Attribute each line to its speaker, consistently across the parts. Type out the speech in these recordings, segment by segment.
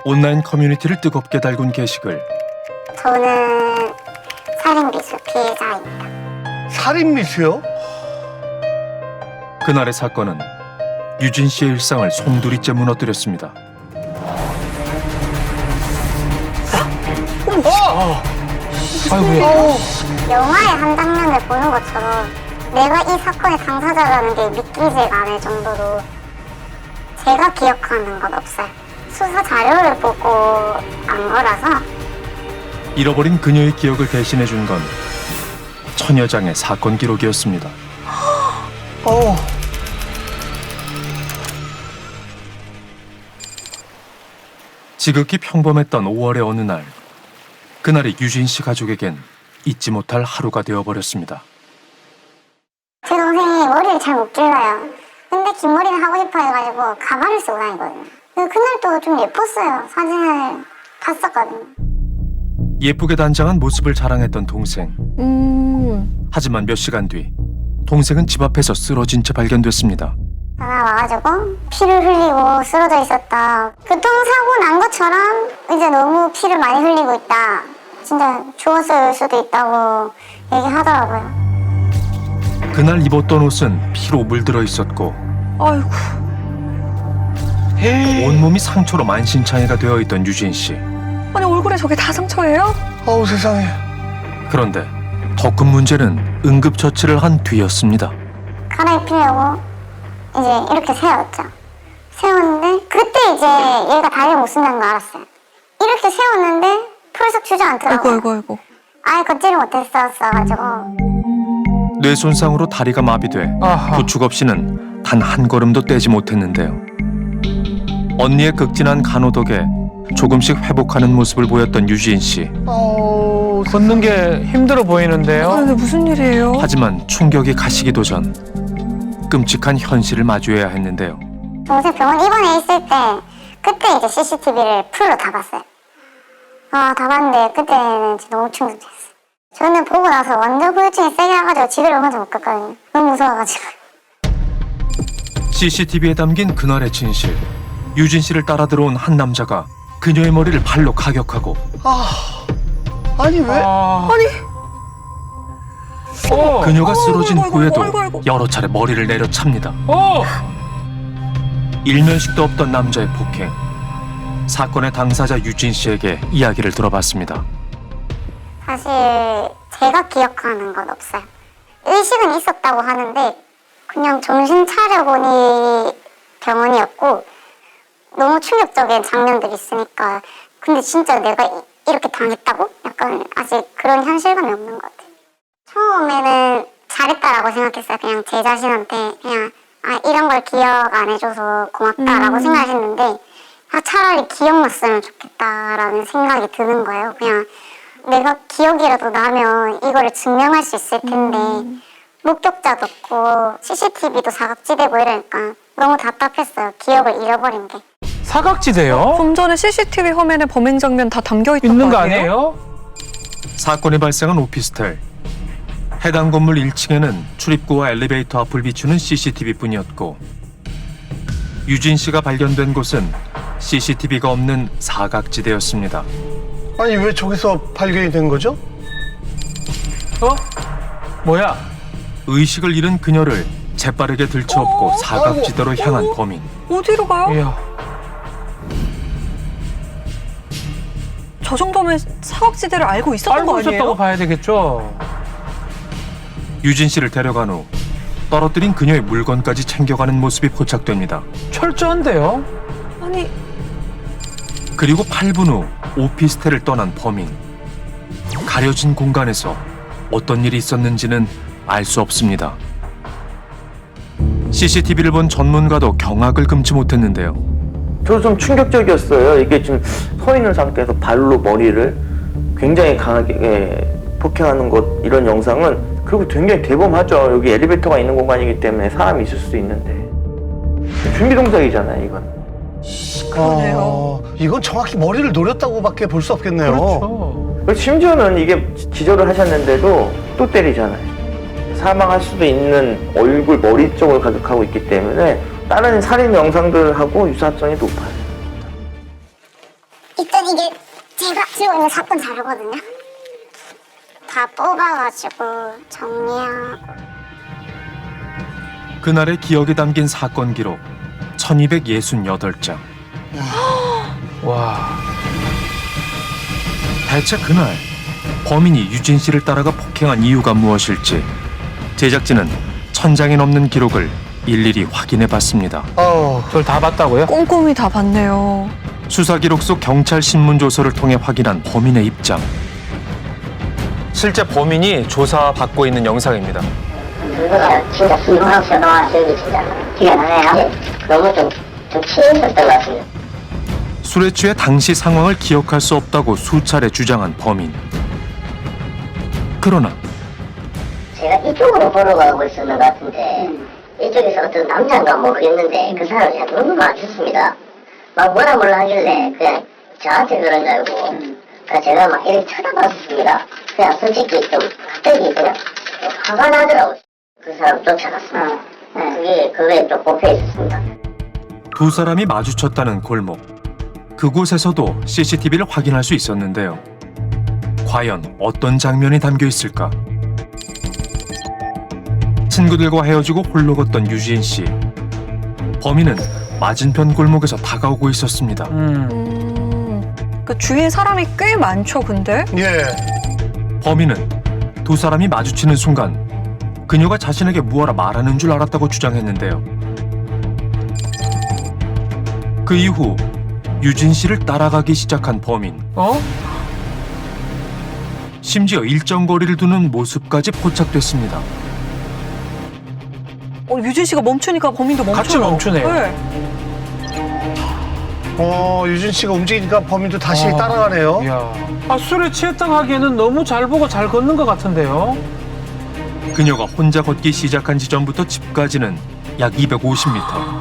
Speaker 1: 온라인 커뮤니티를 뜨겁게 달군 게시글.
Speaker 2: 저는 살인미수 피해자입니다.
Speaker 3: 살인미수요?
Speaker 1: 그날의 사건은 유진 씨의 일상을 송두리째 무너뜨렸습니다.
Speaker 4: 아이고야.
Speaker 2: 영화의 한 장면을 보는 것처럼 내가 이 사건의 당사자라는 게 믿기지가 않을 정도로 제가 기억하는 건 없어요. 수사 자료를 보고 안 거라서.
Speaker 1: 잃어버린 그녀의 기억을 대신해준 건 처녀장의 사건 기록이었습니다. 지극히 평범했던 5월의 어느 날, 그날이 유진 씨 가족에겐 잊지 못할 하루가 되어버렸습니다.
Speaker 2: 제 동생이 머리를 잘 못 길러요. 근데 긴 머리를 하고 싶어 해가지고 가발을 쓰고 다니거든요. 그날도 좀 예뻤어요. 사진을 봤었거든요.
Speaker 1: 예쁘게 단장한 모습을 자랑했던 동생. 하지만 몇 시간 뒤 동생은 집 앞에서 쓰러진 채 발견됐습니다.
Speaker 2: 전화 와가지고 피를 흘리고 쓰러져 있었다. 교통사고 난 것처럼 이제 너무 피를 많이 흘리고 있다. 진짜 죽었을 수도 있다고 얘기하더라고요.
Speaker 1: 그날 입었던 옷은 피로 물들어 있었고
Speaker 4: 아이고.
Speaker 1: 온몸이 상처로 만신창이가 되어 있던 유진 씨.
Speaker 4: 아니 얼굴에 저게 다 상처예요?
Speaker 3: 어우 세상에.
Speaker 1: 그런데 더 큰 문제는 응급처치를 한 뒤였습니다.
Speaker 2: 갈아입히려고 이제 이렇게 세웠죠. 세웠는데 그때 이제 얘가 다리를 못 쓴다는 거 알았어요. 이렇게 세웠는데 풀썩 주저앉더라고요.
Speaker 4: 아이고.
Speaker 2: 아예 걷지를 못했었어가지고.
Speaker 1: 뇌 손상으로 다리가 마비돼
Speaker 3: 아하.
Speaker 1: 부축 없이는 단 한 걸음도 떼지 못했는데요. 언니의 극진한 간호 덕에 조금씩 회복하는 모습을 보였던 유진 씨.
Speaker 5: 걷는 게 힘들어 보이는데요.
Speaker 4: 아, 이게 무슨 일이에요?
Speaker 1: 하지만 충격이 가시기도 전 끔찍한 현실을 마주해야 했는데요.
Speaker 2: 동생 병원 입원해 있을 때 그때 이제 CCTV를 풀로 다 봤어요. 다 봤는데 그때는 진짜 너무 충격적이었어요. 저는 보고 나서 완전 후유증이 세게 와가지고 집에를 혼자 못 갔거든요. 너무 무서워가지고.
Speaker 1: CCTV에 담긴 그날의 진실. 유진 씨를 따라 들어온 한 남자가 그녀의 머리를 발로 가격하고
Speaker 3: 아니 왜?
Speaker 1: 그녀가 쓰러진
Speaker 4: 아이고,
Speaker 1: 후에도
Speaker 4: 아이고.
Speaker 1: 여러 차례 머리를 내려찹니다. 일면식도 없던 남자의 폭행. 사건의 당사자 유진 씨에게 이야기를 들어봤습니다.
Speaker 2: 사실 제가 기억하는 건 없어요. 의식은 있었다고 하는데 그냥 정신 차려보니 병원이었고 너무 충격적인 장면들이 있으니까 근데 진짜 내가 이렇게 당했다고? 약간 아직 그런 현실감이 없는 것 같아요. 처음에는 잘했다라고 생각했어요. 그냥 제 자신한테 그냥 이런 걸 기억 안 해줘서 고맙다라고 생각했는데 차라리 기억났으면 좋겠다라는 생각이 드는 거예요. 그냥 내가 기억이라도 나면 이거를 증명할 수 있을 텐데 목격자도 없고 CCTV도 사각지대고 이러니까 너무 답답했어요. 기억을 잃어버린 게.
Speaker 5: 사각지대요?
Speaker 4: 좀 전에 CCTV 화면에 범행 장면 다 담겨 있던
Speaker 5: 있는 거
Speaker 4: 아니에요?
Speaker 5: 아니에요?
Speaker 1: 사건이 발생한 오피스텔. 해당 건물 1층에는 출입구와 엘리베이터 앞을 비추는 CCTV뿐이었고 유진 씨가 발견된 곳은 CCTV가 없는 사각지대였습니다.
Speaker 3: 아니 왜 저기서 발견이 된 거죠?
Speaker 5: 뭐야?
Speaker 1: 의식을 잃은 그녀를 재빠르게 들쳐업고 사각지대로 향한 범인.
Speaker 4: 어디로 가요?
Speaker 5: 이야.
Speaker 4: 저 정도면 사각지대를 알고 있었던
Speaker 5: 알고
Speaker 4: 거
Speaker 5: 있었다고
Speaker 4: 아니에요?
Speaker 5: 봐야 되겠죠.
Speaker 1: 유진 씨를 데려간 후 떨어뜨린 그녀의 물건까지 챙겨가는 모습이 포착됩니다.
Speaker 5: 철저한데요?
Speaker 4: 아니
Speaker 1: 그리고 8분 후 오피스텔을 떠난 범인. 가려진 공간에서 어떤 일이 있었는지는 알 수 없습니다. CCTV를 본 전문가도 경악을 금치 못했는데요.
Speaker 6: 저도 좀 충격적이었어요. 이게 지금 서 있는 상태에서 발로 머리를 굉장히 강하게 폭행하는 것, 이런 영상은 그리고 굉장히 대범하죠. 여기 엘리베이터가 있는 공간이기 때문에 사람이 있을 수도 있는데 준비 동작이잖아요, 이건.
Speaker 4: 그러네요.
Speaker 3: 이건 정확히 머리를 노렸다고밖에 볼 수 없겠네요.
Speaker 5: 그렇죠.
Speaker 6: 그리고 심지어는 이게 기절을 하셨는데도 또 때리잖아요. 사망할 수도 있는 얼굴, 머리 쪽을 가격하고 있기 때문에 다른 살인 영상들하고 유사성이 높아요.
Speaker 2: 일단 이게 제가 지고 있는 사건 자료거든요. 다 뽑아가지고 정리하고.
Speaker 1: 그날의 기억에 담긴 사건 기록 1268장.
Speaker 5: 와.
Speaker 1: 대체 그날 범인이 유진 씨를 따라가 폭행한 이유가 무엇일지 제작진은 1000장이 넘는 기록을 일일이 확인해 봤습니다.
Speaker 5: 그걸 다 봤다고요?
Speaker 4: 꼼꼼히 다 봤네요.
Speaker 1: 수사 기록 속 경찰 신문 조서를 통해 확인한 범인의 입장. 실제 범인이 조사받고 있는 영상입니다.
Speaker 7: 그거가 진짜 순둥하고 동안 저기 진짜 기가 나네요. 너무 좀 취했었던 것 같습니다.
Speaker 1: 술에 취해 당시 상황을 기억할 수 없다고 수차례 주장한 범인. 그러나
Speaker 7: 제가 이쪽으로 보러 가고 있었는 것 같은데 이쪽에서 어떤 남자인가 모르겠는데 그 사람이 제가 너무 맞췄습니다. 막 뭐라 몰라 하길래 그냥 저한테 그런 줄 알고 그러니까 제가 막 이렇게 쳐다봤습니다. 그냥 솔직히 좀 갑자기 그냥 화가 나더라고요. 그 사람 쫓아갔습니다. 그게 좀 꼽혀 있었습니다.
Speaker 1: 두 사람이 마주쳤다는 골목. 그곳에서도 CCTV를 확인할 수 있었는데요. 과연 어떤 장면이 담겨 있을까? 친구들과 헤어지고 홀로 걷던 유진 씨. 범인은 맞은편 골목에서 다가오고 있었습니다.
Speaker 4: 그 주위에 사람이 꽤 많죠, 근데?
Speaker 3: 예.
Speaker 1: 범인은 두 사람이 마주치는 순간 그녀가 자신에게 무엇라 말하는 줄 알았다고 주장했는데요. 그 이후 유진 씨를 따라가기 시작한 범인. 심지어 일정 거리를 두는 모습까지 포착됐습니다.
Speaker 4: 유진 씨가 멈추니까 범인도 멈춰요.
Speaker 5: 같이 멈추네요.
Speaker 4: 네.
Speaker 3: 유진 씨가 움직이니까 범인도 다시
Speaker 5: 어.
Speaker 3: 따라가네요.
Speaker 5: 이야. 술에 취했다고 하기에는 너무 잘 보고 잘 걷는 것 같은데요?
Speaker 1: 그녀가 혼자 걷기 시작한 지점부터 집까지는 약 250m.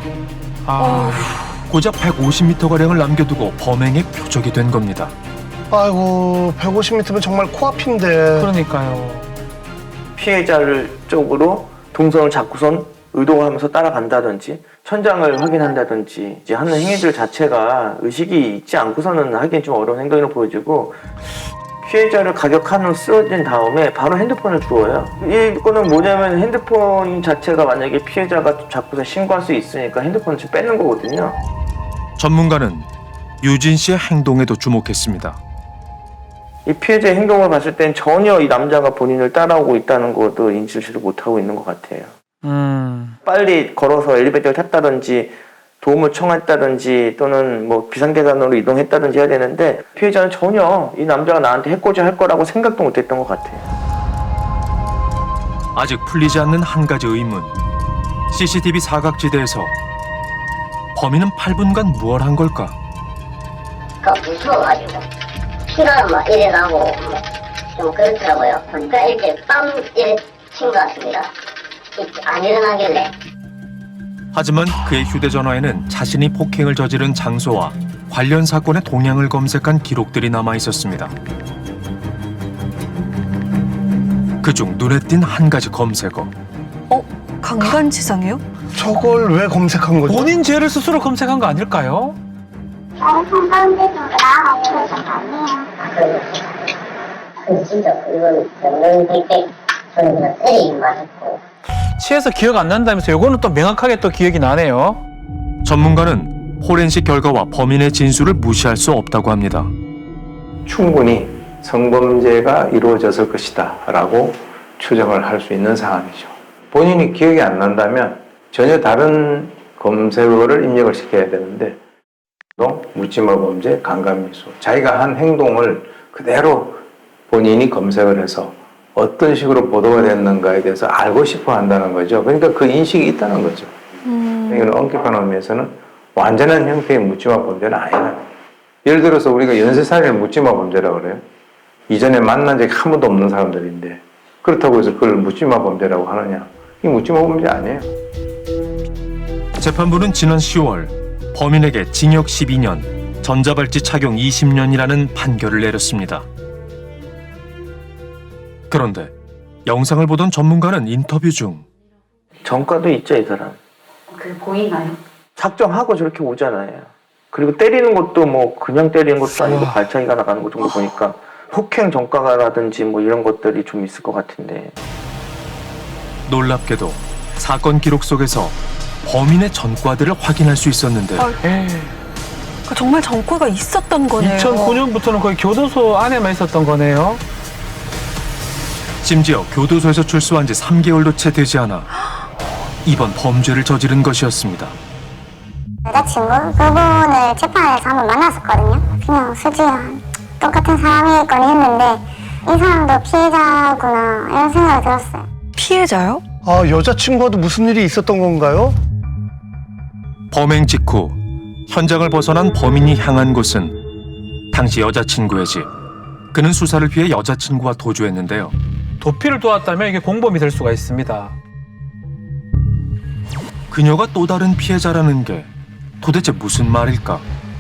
Speaker 1: 고작 150m가량을 남겨두고 범행의 표적이 된 겁니다.
Speaker 3: 아이고 150m면 정말 코앞인데.
Speaker 5: 그러니까요.
Speaker 6: 피해자를 쪽으로 동선을 잡고선 의도하면서 따라간다든지 천장을 확인한다든지 이제 하는 행위들 자체가 의식이 있지 않고서는 하기엔 좀 어려운 행동으로 보여지고 피해자를 가격한 후 쓰러진 다음에 바로 핸드폰을 주워요. 이거는 뭐냐면 핸드폰 자체가 만약에 피해자가 잡고서 신고할 수 있으니까 핸드폰을 좀 뺏는 거거든요.
Speaker 1: 전문가는 유진 씨의 행동에도 주목했습니다.
Speaker 6: 이 피해자의 행동을 봤을 땐 전혀 이 남자가 본인을 따라오고 있다는 것도 인지를 못하고 있는 것 같아요. 빨리 걸어서 엘리베이터를 탔다든지 도움을 청했다든지 또는 뭐 비상계단으로 이동했다든지 해야 되는데 피해자는 전혀 이 남자가 나한테 해코지 할 거라고 생각도 못했던 것 같아요.
Speaker 1: 아직 풀리지 않는 한 가지 의문. CCTV 사각지대에서 범인은 8분간 무얼 한 걸까?
Speaker 7: 그러니까 무서워가지고 피가 막 이래 나고 좀 그렇더라고요. 그러니까 이렇게 빰 이래 친 것 같습니다. 안 일어나길래.
Speaker 1: 하지만 그의 휴대전화에는 자신이 폭행을 저지른 장소와 관련 사건의 동향을 검색한 기록들이 남아 있었습니다. 그중 눈에 띈 한 가지 검색어.
Speaker 4: 강간치상이요?
Speaker 3: 저걸 왜 검색한 거죠?
Speaker 5: 본인 죄를 스스로 검색한 거 아닐까요?
Speaker 2: 다른 상담대도 나아가고 좀 아니에요.
Speaker 7: 근데 진짜 그건 명명백백 저는 그냥 때리긴 맞았고
Speaker 5: 취해서 기억 안 난다면서 요거는 또 명확하게 또 기억이 나네요.
Speaker 1: 전문가는 포렌식 결과와 범인의 진술을 무시할 수 없다고 합니다.
Speaker 8: 충분히 성범죄가 이루어졌을 것이다 라고 추정을 할 수 있는 상황이죠. 본인이 기억이 안 난다면 전혀 다른 검색어를 입력을 시켜야 되는데 또 묻지마 범죄, 강간미수 자기가 한 행동을 그대로 본인이 검색을 해서 어떤 식으로 보도가 됐는가에 대해서 알고 싶어 한다는 거죠. 그러니까 그 인식이 있다는 거죠. 이건 엄격한 의미에서는 완전한 형태의 묻지마 범죄는 아니다. 예를 들어서 우리가 연쇄살인을 묻지마 범죄라고 그래요. 이전에 만난 적이 한 번도 없는 사람들인데 그렇다고 해서 그걸 묻지마 범죄라고 하느냐. 이 묻지마 범죄 아니에요.
Speaker 1: 재판부는 지난 10월 범인에게 징역 12년, 전자발찌 착용 20년이라는 판결을 내렸습니다. 그런데 영상을 보던 전문가는 인터뷰 중
Speaker 6: 전과도 있죠, 이 사람.
Speaker 9: 그게 보이나요?
Speaker 6: 작정하고 저렇게 오잖아요. 그리고 때리는 것도 뭐 그냥 때리는 것도 아니고 발차기가 나가는 것 정도 보니까 폭행 전과라든지 뭐 이런 것들이 좀 있을 것 같은데.
Speaker 1: 놀랍게도 사건 기록 속에서 범인의 전과들을 확인할 수 있었는데
Speaker 4: 정말 전과가 있었던 거네요.
Speaker 5: 2009년부터는 거의 교도소 안에만 있었던 거네요.
Speaker 1: 심지어 교도소에서 출소한 지 3개월도 채 되지 않아 이번 범죄를 저지른 것이었습니다.
Speaker 2: 여자친구 그분을 재판에서 한번 만났었거든요. 그냥 솔직히 똑같은 사람이겠거니 했는데 이 사람도 피해자구나 이런 생각이 들었어요.
Speaker 4: 피해자요?
Speaker 3: 아, 여자친구와도 무슨 일이 있었던 건가요?
Speaker 1: 범행 직후 현장을 벗어난 범인이 향한 곳은 당시 여자친구의 집. 그는 수사를 피해 여자친구와 도주했는데요.
Speaker 5: 도피를 도왔다면 이게 공범이 될 수가 있습니다.
Speaker 1: 그녀가 또 다른 피해자라는 게 도대체 무슨 말일까?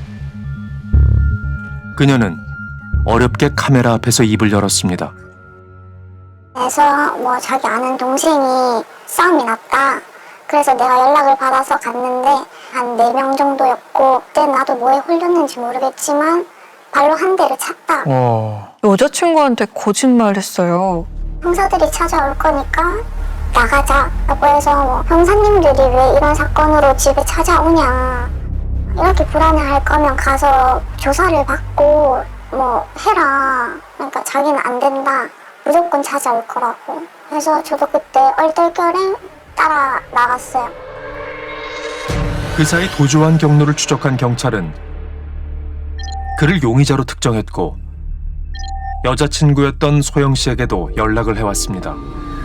Speaker 1: 그녀는 어렵게 카메라 앞에서 입을 열었습니다.
Speaker 2: 그래서 뭐 자기 아는 동생이 싸움이 났다. 그래서 내가 연락을 받아서 갔는데 한 4명 정도였고 그때 나도 뭐에 홀렸는지 모르겠지만 발로 한 대를 찼다.
Speaker 4: 여자친구한테 거짓말했어요.
Speaker 2: 형사들이 찾아올 거니까 나가자라고 해서 뭐 형사님들이 왜 이런 사건으로 집에 찾아오냐. 이렇게 불안해할 거면 가서 조사를 받고 뭐 해라. 그러니까 자기는 안 된다. 무조건 찾아올 거라고. 그래서 저도 그때 얼떨결에 따라 나갔어요.
Speaker 1: 그 사이 도주한 경로를 추적한 경찰은 그를 용의자로 특정했고 여자친구였던 소영 씨에게도 연락을 해왔습니다.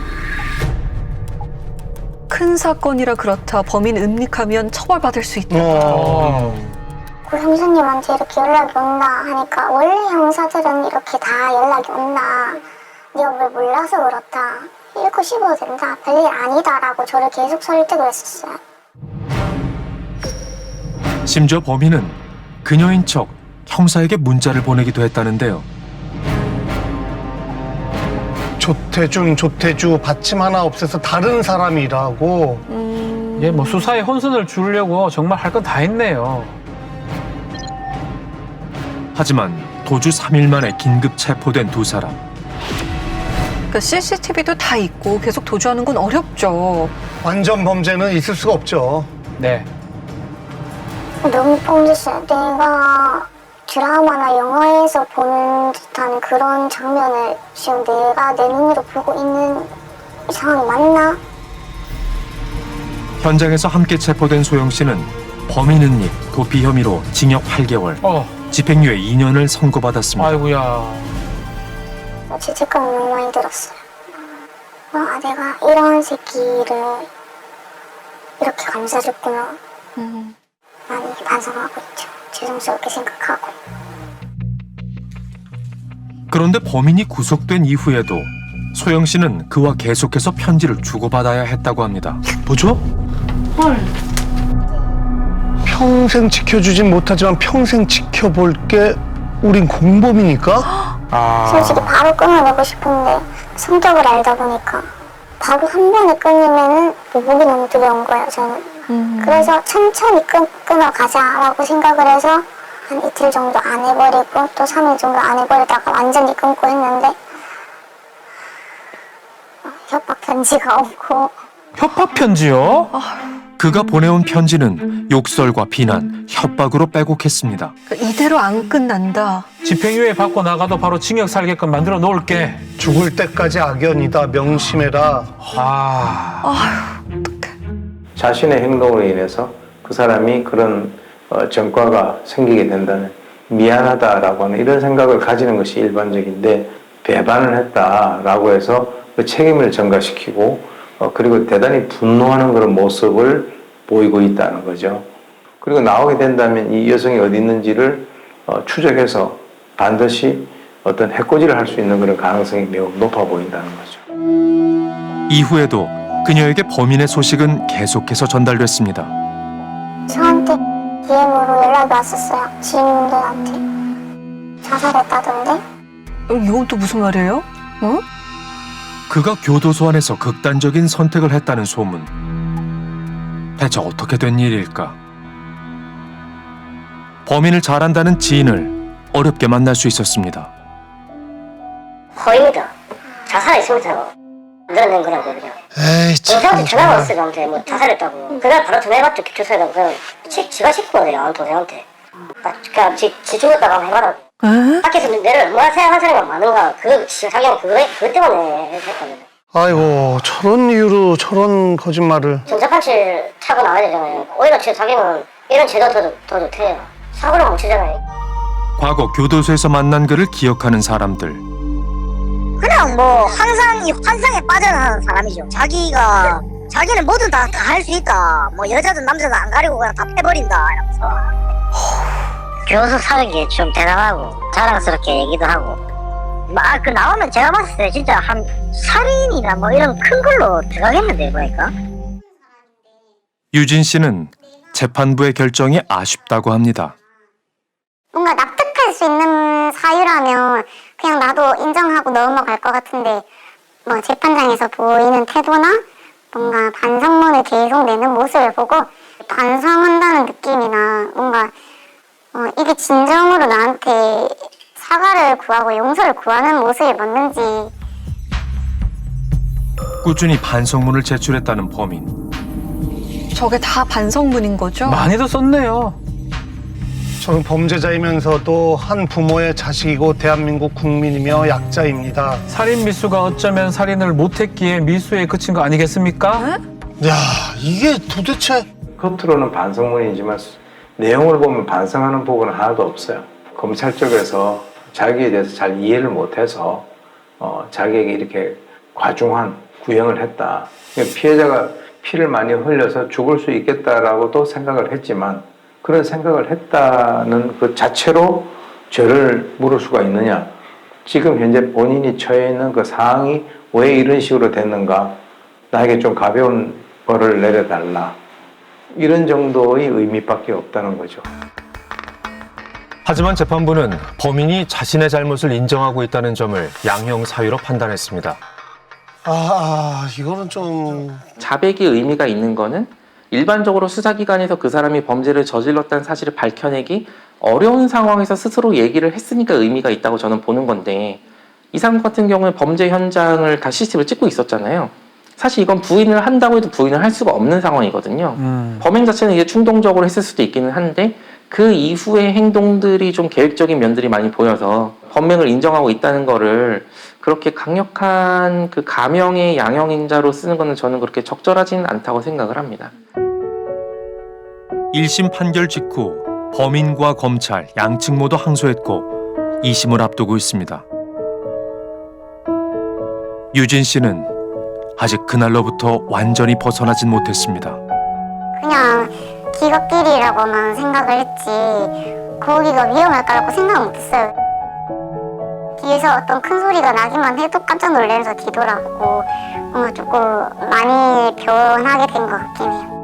Speaker 4: 큰 사건이라 그렇다. 범인 은닉하면 처벌받을 수 있다.
Speaker 2: 그 형사님한테 이렇게 연락이 온다 하니까 원래 형사들은 이렇게 다 연락이 온다. 네가 뭘 몰라서 그렇다. 읽고 씹어도 된다. 별일 아니다라고 저를 계속 설득을 했었어요.
Speaker 1: 심지어 범인은 그녀인 척 형사에게 문자를 보내기도 했다는데요.
Speaker 3: 조태주 받침 하나 없애서 다른 사람이라고.
Speaker 5: 예, 뭐 수사에 혼선을 주려고 정말 할 건 다 했네요.
Speaker 1: 하지만 도주 3일 만에 긴급 체포된 두 사람.
Speaker 4: 그러니까 CCTV도 다 있고 계속 도주하는 건 어렵죠.
Speaker 3: 완전 범죄는 있을 수가 없죠.
Speaker 5: 네.
Speaker 2: 너무 뻔했어요. 내가 드라마나 영화에서 보는 듯한 그런 장면을 지금 내가 내 눈으로 보고 있는 이 상황이 맞나?
Speaker 1: 현장에서 함께 체포된 소영 씨는 범인 은닉, 도피 혐의로 징역 8개월, 집행유예 2년을 선고받았습니다.
Speaker 5: 아이고야.
Speaker 2: 죄책감이 너무 많이 들었어요. 아, 내가 이런 새끼를 이렇게 감싸줬구나. 많이 반성하고 있죠. 죄송스럽게 생각하고.
Speaker 1: 그런데 범인이 구속된 이후에도 소영 씨는 그와 계속해서 편지를 주고받아야 했다고 합니다.
Speaker 3: 뭐죠? 평생 지켜주진 못하지만 평생 지켜볼게. 우린 공범이니까?
Speaker 2: 솔직히 바로 끊어내고 싶은데 성격을 알다 보니까 바로 한 번에 끊으면은 목이 너무 두려운 거예요, 저는. 그래서 천천히 끊어가자라고 생각을 해서 한 이틀 정도 안 해버리고 또 3일 정도 안 해버리다가 완전히 끊고 했는데 협박 편지가 오고.
Speaker 5: 협박 편지요?
Speaker 1: 그가 보내온 편지는 욕설과 비난, 협박으로 빼곡했습니다.
Speaker 4: 그러니까 이대로 안 끝난다.
Speaker 5: 집행유예 받고 나가도 바로 징역 살게끔 만들어 놓을게.
Speaker 3: 죽을 때까지 악연이다. 명심해라.
Speaker 8: 자신의 행동으로 인해서 그 사람이 그런 전과가 생기게 된다는 미안하다라고 하는 이런 생각을 가지는 것이 일반적인데 배반을 했다라고 해서 그 책임을 전가시키고 그리고 대단히 분노하는 그런 모습을 보이고 있다는 거죠. 그리고 나오게 된다면 이 여성이 어디 있는지를 추적해서 반드시 어떤 해코지를 할 수 있는 그런 가능성이 매우 높아 보인다는 거죠.
Speaker 1: 이후에도 그녀에게 범인의 소식은 계속해서 전달됐습니다.
Speaker 2: 저한테 DM으로 연락이 왔었어요. 지인분들한테. 자살했다던데?
Speaker 4: 이건 또 무슨 말이에요? 어?
Speaker 1: 그가 교도소 안에서 극단적인 선택을 했다는 소문. 대체 어떻게 된 일일까? 범인을 잘 안다는 지인을 어렵게 만날 수 있었습니다.
Speaker 7: 허위입니다. 자살이 있습니다. 늘어낸 거라고 그냥.
Speaker 3: 에이
Speaker 7: 동생한테
Speaker 3: 참.
Speaker 7: 전화가 왔어요. 저한테 뭐 자살했다고. 그날 바로 전화해봤죠. 기초사에다가 그냥 지가 싣고 오네요. 동생한테. 그냥 지 죽었다고 한번 해봐라. 밖에서 내를 뭐라 생각한 사람이 많은가. 자기가 그것 때문에 했거든요.
Speaker 3: 아이고 저런 이유로 저런 거짓말을.
Speaker 7: 전자판칠 차고 나와야 되잖아요. 오히려 자기는 이런 제도 더 좋대요. 사고를 못 치잖아요.
Speaker 1: 과거 교도소에서 만난 그를 기억하는 사람들.
Speaker 9: 그냥 뭐 항상 이 환상에 빠져나가는 사람이죠. 자기는 뭐든 다 할 수 있다. 뭐 여자든 남자든 안 가리고 그냥 다 패버린다 이러면서.
Speaker 7: 교수 사는 게 좀 대단하고 자랑스럽게 얘기도 하고. 그 나오면 제가 봤을 때 진짜 한 살인이나 뭐 이런 큰 걸로 들어가겠는데 보니까.
Speaker 1: 유진 씨는 재판부의 결정이 아쉽다고 합니다.
Speaker 2: 뭔가 납득할 수 있는 사유라면 그냥 나도 인정하고 넘어갈 것 같은데 뭐 재판장에서 보이는 태도나 뭔가 반성문을 계속 내는 모습을 보고 반성한다는 느낌이나 뭔가 이게 진정으로 나한테 사과를 구하고 용서를 구하는 모습이 맞는지.
Speaker 1: 꾸준히 반성문을 제출했다는 범인.
Speaker 4: 저게 다 반성문인 거죠?
Speaker 5: 많이도 썼네요.
Speaker 3: 저는 범죄자이면서도 한 부모의 자식이고 대한민국 국민이며 약자입니다.
Speaker 5: 살인 미수가 어쩌면 살인을 못했기에 미수에 그친 거 아니겠습니까?
Speaker 3: 야 이게 도대체.
Speaker 8: 겉으로는 반성문이지만 내용을 보면 반성하는 부분은 하나도 없어요. 검찰 쪽에서 자기에 대해서 잘 이해를 못해서 자기에게 이렇게 과중한 구형을 했다. 피해자가 피를 많이 흘려서 죽을 수 있겠다라고도 생각을 했지만 그런 생각을 했다는 그 자체로 죄를 물을 수가 있느냐. 지금 현재 본인이 처해 있는 그 상황이 왜 이런 식으로 됐는가. 나에게 좀 가벼운 벌을 내려달라. 이런 정도의 의미밖에 없다는 거죠.
Speaker 1: 하지만 재판부는 범인이 자신의 잘못을 인정하고 있다는 점을 양형 사유로 판단했습니다.
Speaker 3: 이거는 좀.
Speaker 10: 자백의 의미가 있는 거는 일반적으로 수사기관에서 그 사람이 범죄를 저질렀다는 사실을 밝혀내기 어려운 상황에서 스스로 얘기를 했으니까 의미가 있다고 저는 보는 건데, 이 사람 같은 경우는 범죄 현장을 다 CCTV를 찍고 있었잖아요. 사실 이건 부인을 한다고 해도 부인을 할 수가 없는 상황이거든요. 범행 자체는 이게 충동적으로 했을 수도 있기는 한데 그 이후의 행동들이 좀 계획적인 면들이 많이 보여서 범행을 인정하고 있다는 거를 그렇게 강력한 그 가명의 양형인자로 쓰는 거는 저는 그렇게 적절하지는 않다고 생각을 합니다.
Speaker 1: 1심 판결 직후 범인과 검찰 양측 모두 항소했고 2심을 앞두고 있습니다. 유진 씨는 아직 그날로부터 완전히 벗어나진 못했습니다.
Speaker 2: 그냥 기겁길이라고만 생각을 했지 거기가 위험할 거라고 생각 못했어요. 뒤에서 어떤 큰 소리가 나기만 해도 깜짝 놀라면서 뒤돌아보고 조금 많이 변하게 된 것 같긴 해요.